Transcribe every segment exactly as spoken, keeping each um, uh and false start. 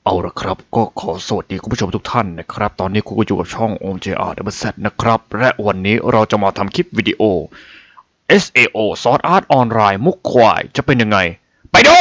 เอาละครับก็ขอสวัสดีคุณผู้ชมทุกท่านนะครับตอนนี้คุณก็อยู่กับช่อง โอ เอ็ม เจ อาร์ ดับเบิลยู แซด นะครับและวันนี้เราจะมาทำคลิปวิดีโอ เอส เอ โอ Sword Art Online มุกควายจะเป็นยังไงไปดู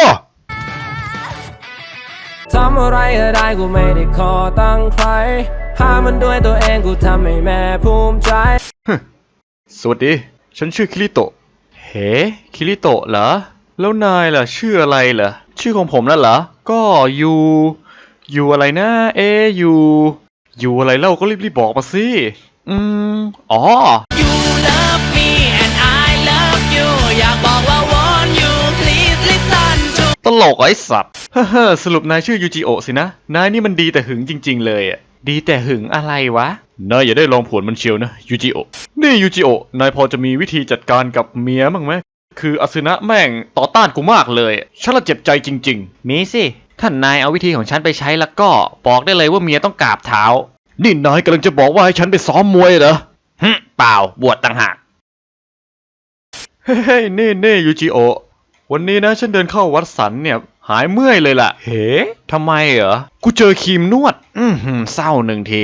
ทำอะไรได้กูไม่ได้ขอตั้งใครหามันด้วยตัวเองกูทำให้แม่ภูมิใจสวัสดีฉันชื่อคิริโตะเฮ้คิริโตะเหรอแล้วนายล่ะชื่ออะไรเหรอชื่อของผมนั่นเหรอก็ยูยูอะไรนะเอยูยูอะไรเล่าก็รีบๆบอกมาสิอืมอ๋อ You love me and I love you อยากบอกว่า want you please listen to ตลกไอ้สัตว์เฮ้อสรุปนายชื่อยูจิโอะสินะนายนี่มันดีแต่หึงจริงๆเลยอ่ะดีแต่หึงอะไรวะนายอย่าได้ลองผวนมันเชียวนะยูจิโอะนี่ยูจิโอะนายพอจะมีวิธีจัดการกับเมียบ้างไหมคืออสึนะแม่งต่อต้านกูมากเลยฉันละเจ็บใจจริงๆมีสิท่านนายเอาวิธีของฉันไปใช้แล้วก็บอกได้เลยว่าเมียต้องกราบเท้านี่นายกำลังจะบอกว่าให้ฉันไปซ้อมมวยเหรอฮึเปล่าบวชต่างหากเฮ้ยเน่เน่ยูจิโอะวันนี้นะฉันเดินเข้าวัดสันเนี่ยหายเมื่อยเลยล่ะเฮ้ทำไมเหรอกูเจอครีมนวดอืมเศร้าหนึ่งที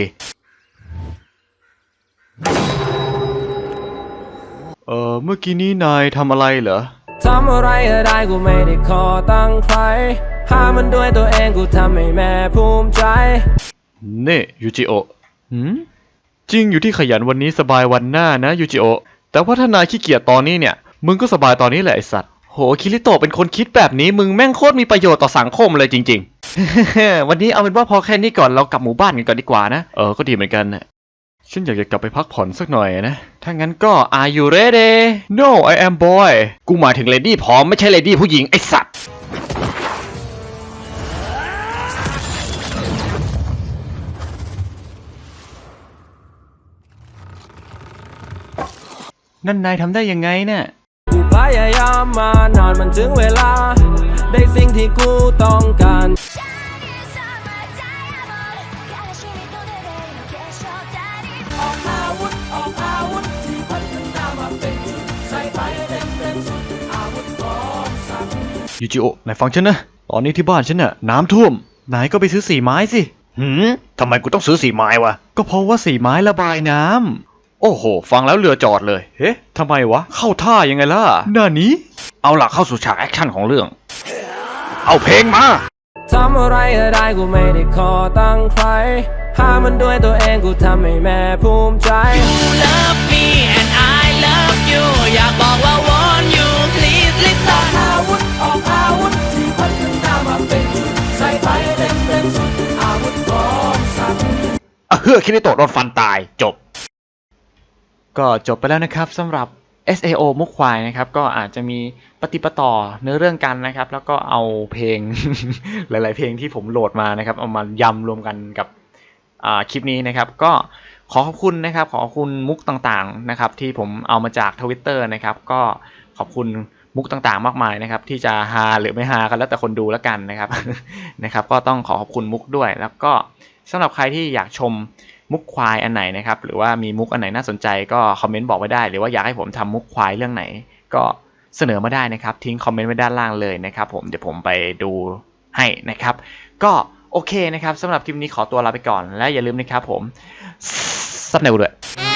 เออเมื่อกี้นี้นายทำอะไรเหรอทำอะไรได้กูไม่ได้ขอตั้งใครหามันด้วยตัวเองกูทำให้แม่ภูมิใจเน่ยูจิโอะหืมจริงอยู่ที่ขยันวันนี้สบายวันหน้านะยูจิโอะแต่ว่าถ้านายขี้เกียจตอนนี้เนี่ยมึงก็สบายตอนนี้แหละไอสัตว์โหคิริโตะเป็นคนคิดแบบนี้มึงแม่งโคตรมีประโยชน์ต่อสังคมเลยจริงๆ วันนี้เอาเป็นว่าพอแค่นี้ก่อนเรากลับหมู่บ้านกันก่อนดีกว่านะเออก็ดีเหมือนกันนะฉันอยากจะกลับไปพักผ่อนสักหน่อยนะถ้างั้นก็ Are you ready No I am boy กูหมายถึงเลดี้พร้อมไม่ใช่เลดี้ผู้หญิงไอสัตว์นั่นนายทำได้ยังไงเนี่ยกูพยายามมานานมันถึงเวลาได้สิ่งที่กูต้องการออกอาวุธออกอาวุธที่พัฒนามาเป็นจุดใส่ไปเต็มเต็มสุดอาวุธของสัตว์ยูจิโอะนายฟังฉันนะตอนนี้ที่บ้านฉันน่ะน้ำท่วมนายก็ไปซื้อสีไม้สิหืมทำไมกูต้องซื้อสีไม้วะก็เพราะว่าสีไม้ระบายน้ำโอ้โหฟังแล้วเรือจอดเลยเฮ้ทำไมวะเข้าท่ายังไงล่ะหน้านี้เอาหลักเข้าสู่ฉากแอคชั่นของเรื่องเอาเพลงมาทำอะไรได้กูไม่ได้ขอตั้งใครหามันด้วยตัวเองกูทำให้แม่ภูมิใจ You love me and I love you อยากบอกว่า want you please listen อาวุธออกอาวุธที่พัฒนามาเป็นจุดใส่ไปเต็มเต็มสุดอาวุธของสัตว์เฮ้อคิริโตะโดนฟันตายจบก็จบไปแล้วนะครับสำหรับ เอส เอ โอ มุกควายนะครับก็อาจจะมีปฏิปต่อเนื้อเรื่องกันนะครับแล้วก็เอาเพลง หลายๆเพลงที่ผมโหลดมานะครับเอามายำรวมกันกับคลิปนี้นะครับก็ขอขอบคุณนะครับขอขอบคุณมุกต่างๆนะครับที่ผมเอามาจาก Twitter นะครับก็ขอบคุณมุกต่างๆมากมายนะครับที่จะฮาหรือไม่ฮากันแล้วแต่คนดูแล้วกันนะครับ นะครับก็ต้องขอขอบคุณมุกด้วยแล้วก็สำหรับใครที่อยากชมมุกควายอันไหนนะครับหรือว่ามีมุกอันไหนน่าสนใจก็คอมเมนต์บอกไว้ได้หรือว่าอยากให้ผมทำมุกควายเรื่องไหนก็เสนอมาได้นะครับทิ้งคอมเมนต์ไว้ด้านล่างเลยนะครับผมเดี๋ยวผมไปดูให้นะครับก็โอเคนะครับสำหรับคลิปนี้ขอตัวลาไปก่อนและอย่าลืมนะครับผมซับแนวด้วย